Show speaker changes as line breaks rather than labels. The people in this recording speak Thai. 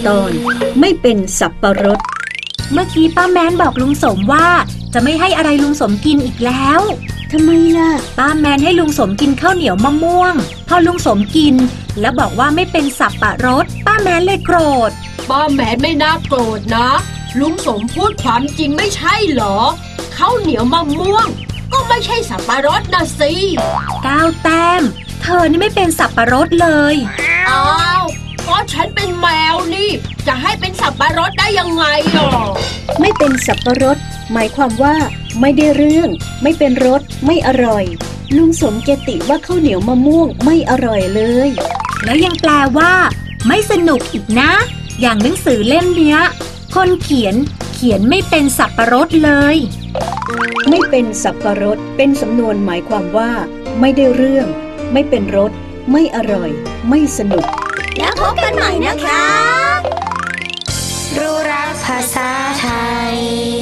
ตอนไม่เป็นสับปะรด
เมื่อกี้ป้าแมนบอกลุงสมว่าจะไม่ให้อะไรลุงสมกินอีกแล้ว
ทำไมล่ะ
ป้าแมนให้ลุงสมกินข้าวเหนียวมะม่วงพอลุงสมกินแล้วบอกว่าไม่เป็นสับปะรดป้าแมนเลยโกรธ
ป้าแมนไม่น่าโกรธนะลุงสมพูดความจริงไม่ใช่เหรอข้าวเหนียวมะม่วงก็ไม่ใช่สับปะรดนะสิ
9 แต้มเธอนี่ไม่เป็นสับปะรดเลย
อ้าวก็ฉันเป็นแมวนี่จะให้เป็นสับปะรดได้ยังไงอ่ะ
ไม่เป็นสับปะรดหมายความว่าไม่ได้เรื่องไม่เป็นรสไม่อร่อยลุงสมเกติว่าข้าวเหนียวมะม่วงไม่อร่อยเลย
แล้วยังแปลว่าไม่สนุกอีกนะอย่างหนังสือเล่มเนี้ยคนเขียนไม่เป็นสับปะรดเลย
ไม่เป็นสับปะรดเป็นสำนวนหมายความว่าไม่ได้เรื่องไม่เป็นรสไม่อร่อยไม่สนุก
แล้วพบกันใหม่นะคะรู้รักภาษาไทย